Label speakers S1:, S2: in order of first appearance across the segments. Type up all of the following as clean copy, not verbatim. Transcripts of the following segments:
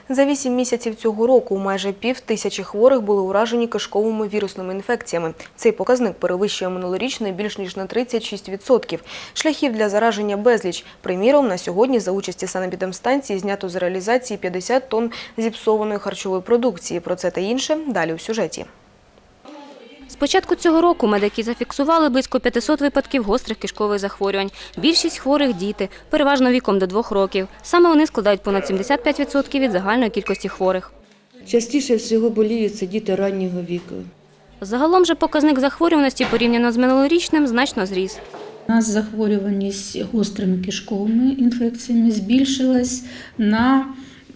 S1: За 8 місяців цього року майже 5000 хворих були уражені кишковими вірусними інфекціями. Цей показник перевищує минулорічний більш ніж на 36%. Шляхів для зараження безліч. Приміром, на сьогодні за участі санепідемстанції знято з реалізації 50 тонн зіпсованої харчової продукції. Про це та інше далі у сюжеті.
S2: З початку цього року медики зафіксували близько 500 випадків гострих кишкових захворювань. Більшість хворих – діти, переважно віком до 2 років. Саме вони складають понад 75% від загальної кількості хворих.
S3: Частіше всього боліють це діти раннього віку.
S2: Загалом же показник захворюваності порівняно з минулорічним значно зріс.
S4: У нас захворюваність гострими кишковими інфекціями збільшилась на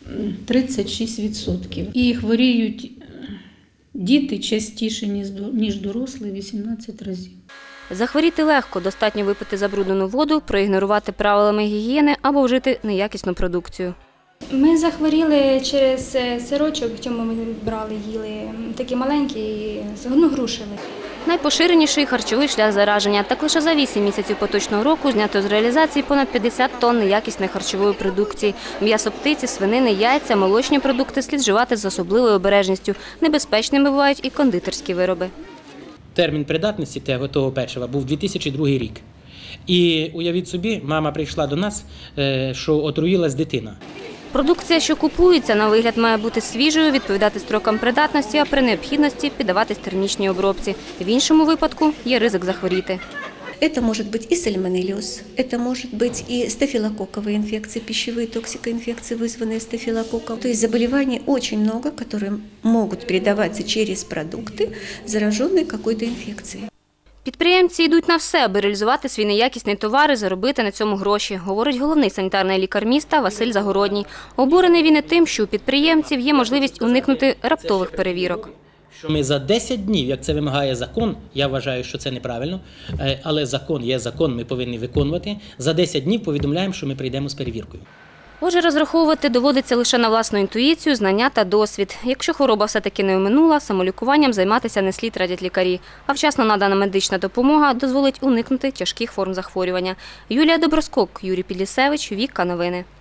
S4: 36%. І хворіють діти частіше, ніж дорослі, 18 разів.
S2: Захворіти легко, достатньо випити забруднену воду, проігнорувати правилами гігієни або вжити неякісну продукцію.
S5: Ми захворіли через сирочок, в чому ми брали, їли, такі маленькі, грушеві.
S2: Найпоширеніший харчовий шлях зараження. Так лише за 8 місяців поточного року знято з реалізації понад 50 тонн неякісної харчової продукції. М'ясо птиці, свинини, яйця, молочні продукти слід вживати з особливою обережністю. Небезпечними бувають і кондитерські вироби.
S6: Термін придатності того печива був 2002 рік. І уявіть собі, мама прийшла до нас, що отруїлась дитина.
S2: Продукція, що купується, на вигляд має бути свіжою, відповідати строкам придатності, а при необхідності піддаватись термічній обробці. В іншому випадку є ризик захворіти.
S7: Это может быть и сальмонеллез, это может быть и стафилококковые инфекции, пищевые токсикоинфекции, вызванные стафилококком. То есть заболеваний очень много, которые могут передаваться через продукты, зараженные какой-то инфекцией.
S2: Підприємці йдуть на все, аби реалізувати свій неякісний товар і заробити на цьому гроші, говорить головний санітарний лікар міста Василь Загородній. Обурений він і тим, що у підприємців є можливість уникнути раптових перевірок.
S6: Що ми за 10 днів, як це вимагає закон, я вважаю, що це неправильно, але закон є закон, ми повинні виконувати, за 10 днів повідомляємо, що ми прийдемо з перевіркою.
S2: Отже, розраховувати доводиться лише на власну інтуїцію, знання та досвід. Якщо хвороба все-таки не оминула, самолікуванням займатися не слід, радять лікарі. А вчасно надана медична допомога дозволить уникнути тяжких форм захворювання. Юлія Доброскок, Юрій Підлісевич, Віка Новини.